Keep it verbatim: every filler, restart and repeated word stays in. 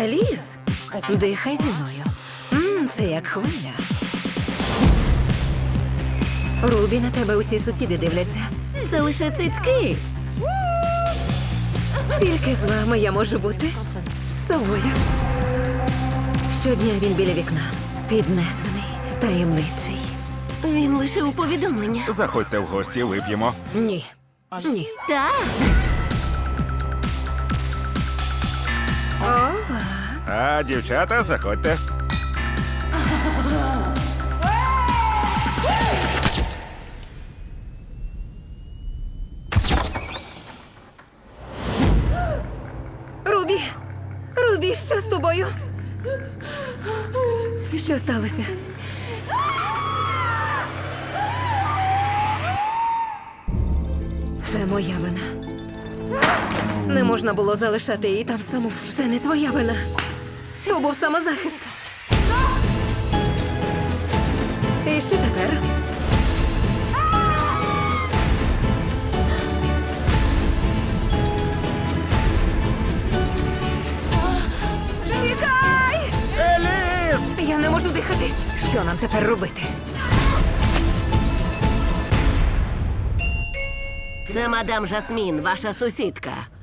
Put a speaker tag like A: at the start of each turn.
A: Еліс, дихай зі мною. М, це як хвиля. Рубі, на тебе усі сусіди дивляться.
B: Це лише цицьки.
A: Тільки з вами я можу бути собою. Щодня він біля вікна. Піднесений, таємничий.
B: Він лише у повідомлення.
C: Заходьте в гості, вип'ємо.
A: Ні. Ні.
B: Так.
A: Ова.
C: А, дівчата, заходьте.
A: Рубі! Рубі, що з тобою? Що сталося? Це моя вина. Не можна було залишати її там саму. Це не твоя вина. То був самозахист. І що тепер? Тікай!
C: Еліс!
A: Я не можу дихати. Що нам тепер робити?
B: Це мадам Жасмін, ваша сусідка.